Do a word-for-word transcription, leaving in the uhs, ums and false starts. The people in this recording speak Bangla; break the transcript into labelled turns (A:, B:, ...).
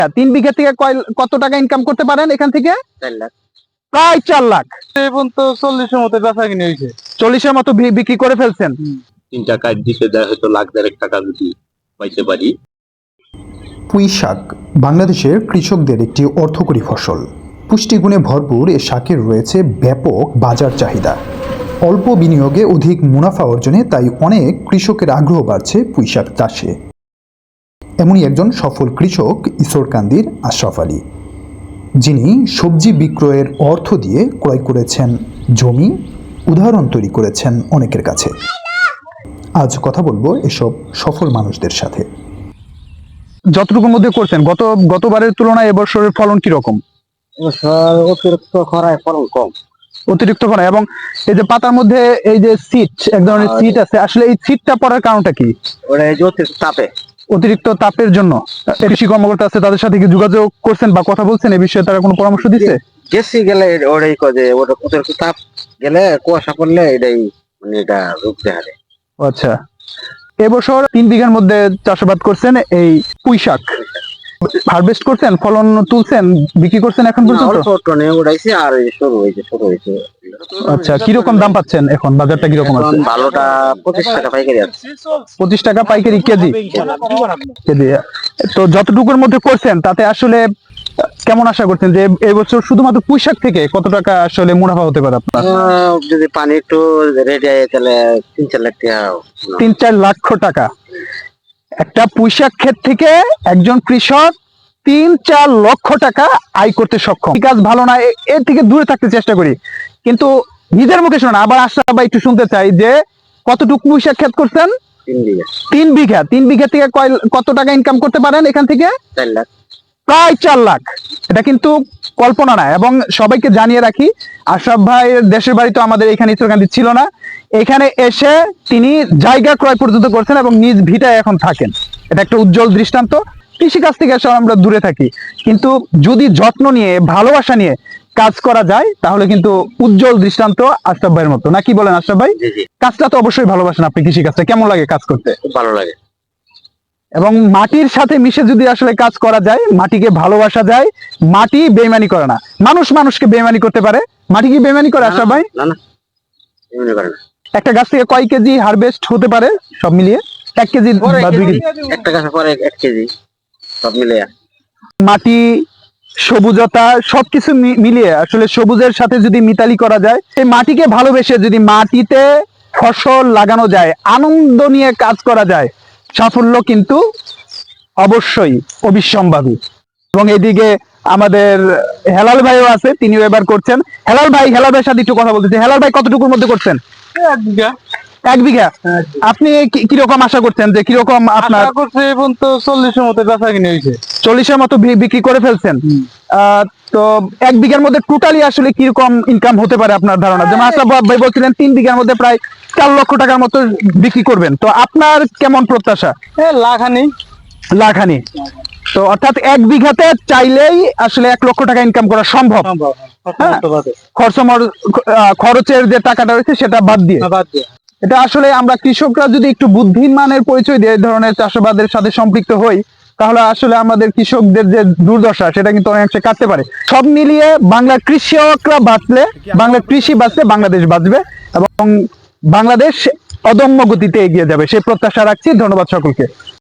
A: তিন বিঘা থেকে কত টাকা ইনকাম করতে পারেন এখান থেকে?
B: চার লাখ,
A: প্রায় চার লাখ।
B: এখন তো চল্লিশের মতো বেচা কিনে হয়েছে।
A: চল্লিশের মতো বিক্রি করে ফেলছেন।
C: তিনটা কাজ দিতে দেয় হয়তো লাখ দেড়েক টাকা যদি পাইতে পারি।
D: পুঁই শাক বাংলাদেশের কৃষকদের একটি অর্থকরী ফসল। পুষ্টিগুণে ভরপুর এ শাকের রয়েছে ব্যাপক বাজার চাহিদা। অল্প বিনিয়োগে অধিক মুনাফা অর্জনে তাই অনেক কৃষকের আগ্রহ বাড়ছে পুঁই শাক চাষে। এমনই একজন সফল কৃষক ঈশ্বরকান্দির আশরাফ আলী, যিনি সবজি বিক্রয়ের অর্থ দিয়ে ক্রয় করেছেন জমি, উদাহরণ তৈরি করেছেন অনেকের কাছে। আজ কথা বলবো এসব সফল মানুষদের সাথে।
A: যতটুকুর মধ্যে করছেন, গত গতবারের তুলনায় এবছরের ফলন কিরকম?
B: অতিরিক্ত খরায় ফলন কম।
A: অতিরিক্ত খরা এবং এই যে পাতার মধ্যে এই যে সিট, এক ধরনের সিট আছে, আসলে এই সিটটা পড়ার কারণটা কি?
B: ওটা এই যে অতিরিক্ত তাপে
A: অতিরিক্ত তাপের জন্য। কৃষি কর্মকর্তা আছে, তাদের সাথে কি যোগাযোগ করছেন বা কথা বলছেন এই বিষয়ে? তারা কোনো পরামর্শ দিচ্ছে?
B: গেছি গেলে ওটাই কয়ে ওটা অতিরিক্ত তাপ গেলে কুয়াশা পড়লে এটাই মানে এটা রূপ দেখাবে।
A: আচ্ছা, এবছর তিন বিঘার মধ্যে চাষাবাদ করছেন এই পুঁই শাক, হারভেস্ট করছেন, ফলন তুলছেন, বিক্রি করছেন এখন পর্যন্ত?
B: টনে উড়াইছে আর শুরু হয়েছে শুরু হয়েছে
A: আচ্ছা, কিরকম দাম পাচ্ছেন এখন? বাজারটা কিরকম আছে?
B: ভালোটা পঁচিশ টাকা পাইকারি আছে।
A: পঁচিশ টাকা পাইকারি কেজি কেজি তো যতটুকুর মধ্যে করছেন তাতে আসলে কেমন আশা করছেন যে এই বছর শুধুমাত্র পুঁই শাক থেকে কত টাকা আসলে মুনাফা হতে পারে আপনার?
B: যদি পানি একটু রেডি হয় তাহলে তিন চার লাখ টাকা।
A: তিন চার লক্ষ টাকা একটা পুঁই শাক ক্ষেত থেকে একজন কৃষক তিন চার লক্ষ টাকা আয় করতে সক্ষম। কাজ ভালো না, এর থেকে দূরে থাকতে চেষ্টা করি, কিন্তু নিজের মুখে শোনা। আবার আশরাফ ভাই একটু শুনতে চাই যে কতটুকু পুঁই শাক ক্ষেত করছেন?
B: তিন বিঘা।
A: তিন বিঘা তিন বিঘা থেকে কত টাকা ইনকাম করতে পারেন এখান থেকে?
B: চার লাখ,
A: প্রায় চার লাখ। এটা কিন্তু কল্পনা না। এবং সবাইকে জানিয়ে রাখি, আশরাফ ভাইয়ের দেশের বাড়ি তো আমাদের এখানে ঈশ্বরকান্দি ছিল না। এখানে এসে তিনি জায়গা ক্রয় পর্যন্ত করছেন এবং নিজ ভিটায় এখন থাকেন। এটা একটা উজ্জ্বল দৃষ্টান্ত। কৃষিকাজ থেকে আসলে আমরা দূরে থাকি, কিন্তু যদি যত্ন নিয়ে ভালোবাসা নিয়ে কাজ করা যায় তাহলে কিন্তু উজ্জ্বল দৃষ্টান্ত আশরাফ ভাইয়ের মতো। না কি বলেন আশরাফ ভাই? কাজটা তো অবশ্যই ভালোবাসেন আপনি। কৃষিকাজটা কেমন লাগে কাজ করতে?
B: খুব ভালো লাগে।
A: এবং মাটির সাথে মিশে যদি আসলে কাজ করা যায়, মাটিকে ভালোবাসা যায়, মাটি বেইমানি করে না। মানুষ মানুষকে বেইমানি করতে পারে, মাটি কি বেইমানি করে আশরাফ ভাই?
B: না না, এমনি করে না।
A: একটা গাছ থেকে কয় কেজি হারভেস্ট হতে পারে সব মিলিয়ে? এক কেজি বা দুই কেজি?
B: একটা গাছ পরে এক কেজি সব মিলিয়ে।
A: মাটি, সবুজতা সবকিছু মিলিয়ে আসলে সবুজের সাথে যদি মিতালি করা যায়, এই মাটিকে ভালোবেসে যদি মাটিতে ফসল লাগানো যায়, আনন্দ নিয়ে কাজ করা যায়, সাফল্য কিন্তু অবশ্যই অবিসম্ভাবী। এবং এদিকে আমাদের হেলাল ভাইও আছে, তিনিও এবার করছেন। হেলাল ভাই, হেলাল ভাইয়ের সাথে একটু কথা বলতেছি। হেলাল ভাই, কতটুকুর মধ্যে করছেন?
B: এক বিঘা।
A: এক বিঘা। আপনি কিরকম আশা করছেন যে কিরকম আপনার?
B: এখন তো চল্লিশের মতো বেচা কিনে হয়েছে।
A: চল্লিশের মতো বিক্রি করে ফেলছেন। আহ তো এক বিঘার মধ্যে টোটালি আসলে কিরকম ইনকাম হতে পারে আপনার ধারণা? যেমন আশরাফ ভাই বলছিলেন তিন বিঘার মধ্যে প্রায় চার লক্ষ টাকার মতো বিক্রি করবেন, তো আপনার কেমন প্রত্যাশা?
B: লাখানি
A: লাখানি। তো অর্থাৎ এক বিঘাতে চাইলেই আসলে এক লক্ষ টাকা ইনকাম করা সম্ভব। খরচ খরচের যে টাকাটা রয়েছে সেটা বাদ দিয়ে। এটা আসলে আমরা কৃষকরা যদি একটু বুদ্ধিমানের পরিচয় দিয়ে এই ধরনের চাষাবাদের সাথে সম্পৃক্ত হই, তাহলে আসলে আমাদের কৃষকদের যে দুর্দশা সেটা কিন্তু অনেকাংশে কাটতে পারে। সব মিলিয়ে বাংলার কৃষকরা বাঁচলে, বাংলার কৃষি বাঁচলে বাংলাদেশ বাঁচবে এবং বাংলাদেশ অদম্য গতিতে এগিয়ে যাবে, সেই প্রত্যাশা রাখছি। ধন্যবাদ সকলকে।